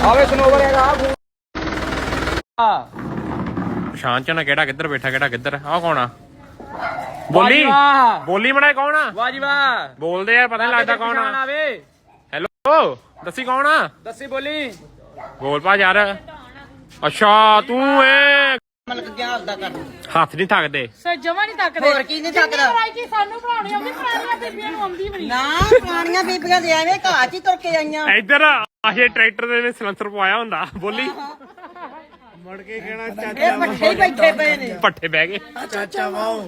ਆਵੇ ਸਨੋਵਰ ਹੈਗਾ ਪਛਾਣ ਚ ਨਾ ਕਿਹੜਾ ਕਿੱਧਰ ਬੈਠਾ ਕਿਹੜਾ ਕਿੱਧਰ ਆ ਕੌਣ ਆ ਬੋਲੀ ਬੋਲੀ ਬਣਾਏ ਕੌਣ ਆ ਵਾਹ ਜੀ ਵਾਹ ਬੋਲਦੇ ਯਾਰ ਪਤਾ ਨਹੀਂ ਲੱਗਦਾ ਕੌਣ ਆ ਆਵੇ ਹੈਲੋ ਦੱਸੀ ਕੌਣ ਆ ਦੱਸੀ ਬੋਲੀ ਬੋਲ ਪਾ ਯਾਰ ਅੱਛਾ ਤੂੰ ਏ ਮਤਲਬ ਕੀ ਹਾਲ ਦਾ ਕਰ ਹੱਥ ਨਹੀਂ ਥੱਕਦੇ ਸਰ ਜਮਾ ਨਹੀਂ ਤੱਕਦੇ ਹੋਰ ਕੀ ਨਹੀਂ ਤੱਕਦਾ ਕਿ ਸਾਨੂੰ ਬਣਾਉਣੀ ਆਉਂਦੀ ਪੁਰਾਣੀਆਂ ਬੀਬੀਆਂ ਨੂੰ ਆਉਂਦੀ ਵੀ ਨਹੀਂ ਨਾ ਪੁਰਾਣੀਆਂ ਬੀਬੀਆਂ ਦੇ ਐਵੇਂ ਘਾਹ 'ਚ ਹੀ ਤੁਰ ਕੇ ਆਈਆਂ ਇੱਧਰ ਆਹੇ ਟਰੈਕਟਰ ਦੇ ਵਿੱਚ ਸਲੰਸਰ ਪਵਾਇਆ ਹੁੰਦਾ ਬੋਲੀ ਮੁੜ ਕੇ ਕਹਿਣਾ ਇਹ ਪੱਠੇ ਹੀ ਬੈਠੇ ਪਏ ਨੇ ਪੱਠੇ ਬਹਿ ਗਏ ਚਾਚਾ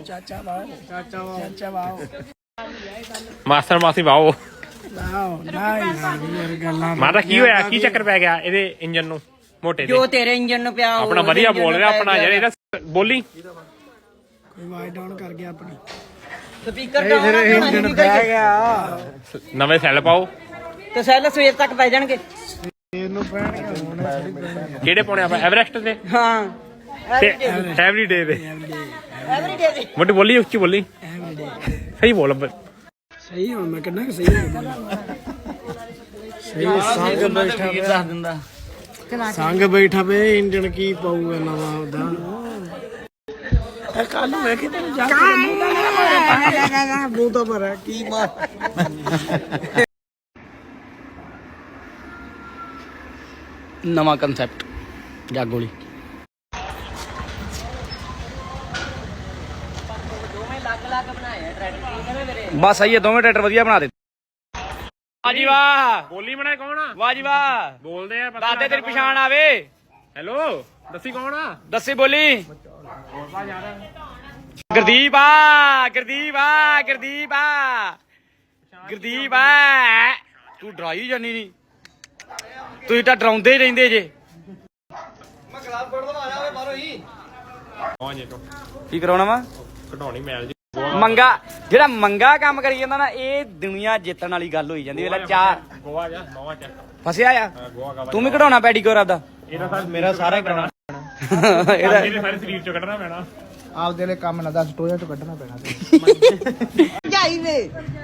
ਵਾਓ ਮਾਸਟਰ ਮਾਸੀ ਵਾਓ ਨਹੀਂ ਗੱਲਾਂ ਮਾਤਾ ਕੀ ਹੋਇਆ ਕੀ ਚੱਕਰ ਪੈ ਗਿਆ ਇਹਦੇ ਇੰਜਨ ਨੂੰ ਮੋਟੇ ਜੋ ਦੇ ਤੇਰੇ ਇੰਜਨ ਨੂੰ ਪਿਆ ਆਪਣਾ ਵਧੀਆ ਬੋਲ ਰਿਹਾ ਆਪਣਾ ਯਾਰ ਇਹਦਾ ਬੋਲੀ ਕੋਈ ਵਾਈਡ ਡਾਊਨ ਕਰ ਗਿਆ ਆਪਣੀ ਸਪੀਕਰ ਡਾਊਨ ਇੰਜਨ ਬਹਿ ਗਿਆ ਨਵੇਂ ਸੈੱਲ ਪਾਓ ਤੇ ਸੈੱਲ ਸਵੇਰ ਤੱਕ ਪੈ ਜਾਣਗੇ ਇਹਨੂੰ ਪੈਣਗੇ ਕਿਹੜੇ ਪਾਉਣੇ ਆਪਾਂ ਐਵਰੈਸਟ ਦੇ ਹਾਂ ਐਵਰੀ ਡੇ ਦੇ ਐਵਰੀਡੇ ਦੇ ਮੋਟੀ ਬੋਲੀ ਉੱਚੀ ਬੋਲੀ ਸਹੀ ਬੋਲ ਸਹੀ ਹੁਣ ਮੈਂ ਕਿੰਨਾ ਕਿ ਸਹੀ ਸਹੀ ਸੰਗ ਬੈਠਾ ਦੱਸ ਦਿੰਦਾ ਸੰਗ ਬੈਠਾ ਵੇ ਇੰਜਣ ਕੀ ਪਾਊਗਾ ਨਵਾਂ ਉਹਦਾ ਕੱਲ ਨੂੰ ਵੇਖੀ ਤੈਨੂੰ ਜਾ ਕੇ ਮੂੰਹ ਤਾਂ ਭਰਾ ਕੀ ਮਾਰ ਨਵਾਂ ਕਨਸੈਪਟ ਜਾਗੋਲੀ ਬਸ ਸਹੀ ਹੈ ਦੋਵੇਂ ਟਰੈਕਟਰ ਵਧੀਆ ਬਣਾ ਦੇ ਵਾਹ ਜੀ ਵਾਹ ਬੋਲੀ ਬਣਾਏ ਕੌਣ ਆ ਵਾਹ ਜੀ ਵਾਹ ਬੋਲਦੇ ਆ ਦਾਦੇ ਤੇਰੀ ਪਛਾਣ ਆਵੇ ਹੈਲੋ ਦੱਸੀ ਕੌਣ ਆ ਦੱਸੀ ਬੋਲੀ ਗੁਰਦੀਪ ਆ ਗੁਰਦੀਪ ਆ ਗੁਰਦੀਪ ਆ ਗੁਰਦੀਪ ਆ ਤੂੰ ਡਰਾਈ ਜਾਨੀ ਨਹੀਂ ਤੁਸੀਂ ਤਾਂ ਡਰਾਉਂਦੇ ਹੀ ਰਹਿੰਦੇ ਜੇ ਕੀ ਕਰਾਉਣਾ ਵਾ ਘਟਾਉਣੀ ਮੈਲ ਜੀ ਮੰਗਾ ਜਿਹੜਾ ਮੰਗਾ ਕੰਮ ਕਰੀ ਜਾਂਦਾ ਨਾ ਇਹ ਦੁਨੀਆ ਜਿੱਤਣ ਵਾਲੀ ਗੱਲ ਹੋਈ ਜਾਂਦੀ ਵੇਲਾ ਚਾਰ ਗੋਆ ਜਾ ਨਵਾਂ ਚ ਫਸਿਆ ਆ ਗੋਆ ਕਾ ਤੂੰ ਵੀ ਕਢਾਉਣਾ ਪੈਡੀਕੋਰ ਆਪਦਾ ਇਹਦਾ ਸਾਰਾ ਮੇਰਾ ਸਾਰਾ ਕਰਾਉਣਾ ਇਹਦਾ ਮੇਰੇ ਸਾਰੇ ਸਰੀਰ ਚੋਂ ਕੱਢਣਾ ਪੈਣਾ ਆਪਦੇ ਲਈ ਕੰਮ ਨਾ ਦੱਸ ਟੋਇਆ ਚੋਂ ਕੱਢਣਾ ਪੈਣਾ ਜਾਈ ਵੇ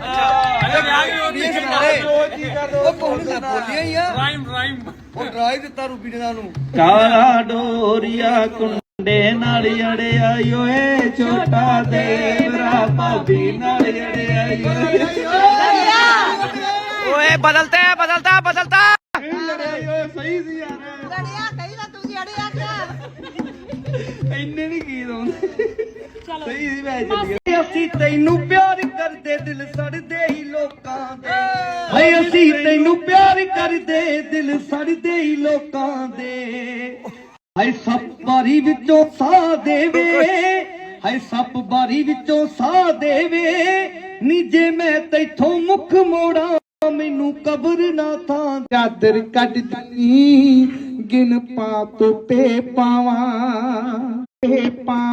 ਕਾਲਾ ਡੋਰੀਆ ਕੁੰਡੇ ਨਾਲ ਅੜਿਆ ਓਏ ਛੋਟਾ ਦੇਵਰਾ ਭਾਬੀ ਨਾਲ ਅੜਿਆ ਓਏ ਬਦਲਤਾ ਬਦਲਤਾ ਬਦਲਤਾ ਸਹੀ ਸੀ ਯਾਰ ਲੜਿਆ ਕਹੀ ਤਾਂ ਤੂੰ ਅੜਿਆ ਇੰਨੇ ਨਹੀਂ ਗੀਤ ਆਉਂਦੇ ਸਹੀ ਸੀ ਮੈਂ ਚੱਲੀ ਅਸੀਂ ਤੈਨੂੰ ਪਿਆਰ ਕਰਦੇ ਦਿਲ ਸੜਦੇ ਹੀ ਲੋਕਾਂ ਦੇ ਹਾਏ ਅਸੀਂ ਤੈਨੂੰ ਪਿਆਰ ਕਰਦੇ ਦਿਲ ਸੜਦੇ ਹੀ ਲੋਕਾਂ ਦੇ ਹਾਏ ਸੱਪ ਬਾਰੀ ਵਿੱਚੋਂ ਸਾਹ ਦੇਵੇ ਹਾਏ ਸੱਪ ਬਾਰੀ ਵਿੱਚੋਂ ਸਾਹ ਦੇਵੇ ਨੀ ਜੇ ਮੈਂ ਤੈਥੋਂ ਮੁੱਖ ਮੋੜਾਂ ਮੈਨੂੰ ਕਬਰ ਨਾ ਥਾਂ ਚਾਦਰ ਕੱਢ ਦਿੱਤੀ ਗਿਣ ਪਾ ਤੋਤੇ ਪਾਵਾਂ ਤੇ ਪਾਵਾਂ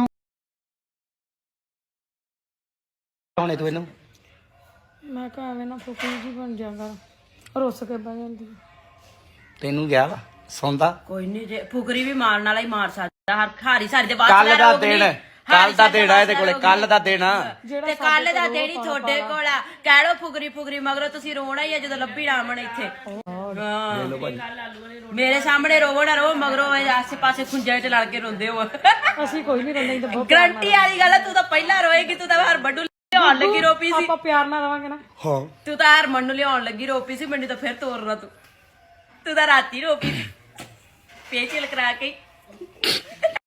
ਹੁਣੇ ਤੂੰ ਇਹਨੂੰ ਮੈਂ ਕਿਹਾ ਐਵੇਂ ਨਾ ਫੁੱਕੀ ਜੀ ਬਣ ਜਾਗਾ ਰੁੱਸ ਕੇ ਬਹਿ ਜਾਂਦੀ ਤੈਨੂੰ ਗਿਆ ਵਾ ਸੌਂਦਾ ਕੋਈ ਨਹੀਂ ਜੇ ਫੁਕਰੀ ਵੀ ਮਾਰਨ ਵਾਲਾ ਹੀ ਮਾਰ ਸਕਦਾ ਹਰ ਖਾਰੀ ਸਾਰੀ ਦੇ ਬਾਅਦ ਕੱਲ ਦਾ ਦਿਨ ਕੱਲ ਦਾ ਦਿਨ ਆ ਇਹਦੇ ਕੋਲੇ ਕੱਲ ਦਾ ਦਿਨ ਆ ਤੇ ਕੱਲ ਦਾ ਦਿਨ ਹੀ ਤੁਹਾਡੇ ਕੋਲ ਆ ਕਹਿ ਲੋ ਫੁਕਰੀ ਫੁਕਰੀ ਮਗਰੋਂ ਤੁਸੀਂ ਰੋਣਾ ਹੀ ਆ ਜਦੋਂ ਲੱਭੀ ਰਾਮਣ ਇੱਥੇ ਮੇਰੇ ਸਾਹਮਣੇ ਰੋਵੋ ਨਾ ਰੋ ਮਗਰੋਂ ਆਸੇ ਪਾਸੇ ਖੁੰਝੇ ਚ ਲੜ ਕੇ ਰੋਂਦੇ ਹੋ ਅਸੀਂ ਕੋਈ ਨਹੀਂ ਰੋਂਦੇ ਤਾਂ ਬਹੁਤ ਗਰੰਟੀ ਵਾਲੀ ਗੱਲ ਆ ਤੂੰ ਤਾਂ ਪਹਿਲਾਂ ਰੋਏਗੀ ਤੂੰ ਤਾਂ ਹਰ ਬੱਡੂ ਲਿਆਉਣ ਲੱਗੀ ਰੋਪੀ ਸੀ ਆਪਾਂ ਪਿਆਰ ਨਾਲ ਰਵਾਂਗੇ ਨਾ ਤੂੰ ਤਾਂ ਹਰ ਨੂੰ ਲਿਆਉਣ ਲੱਗੀ ਰੋਪੀ ਸੀ ਮੈਨੂੰ ਤਾਂ ਫਿਰ ਤੋਰਨਾ ਤੂੰ ਤਾਂ ਰਾਤੀ ਰੋਪੀ ਪੇਚਲ ਕਰਾ ਕੇ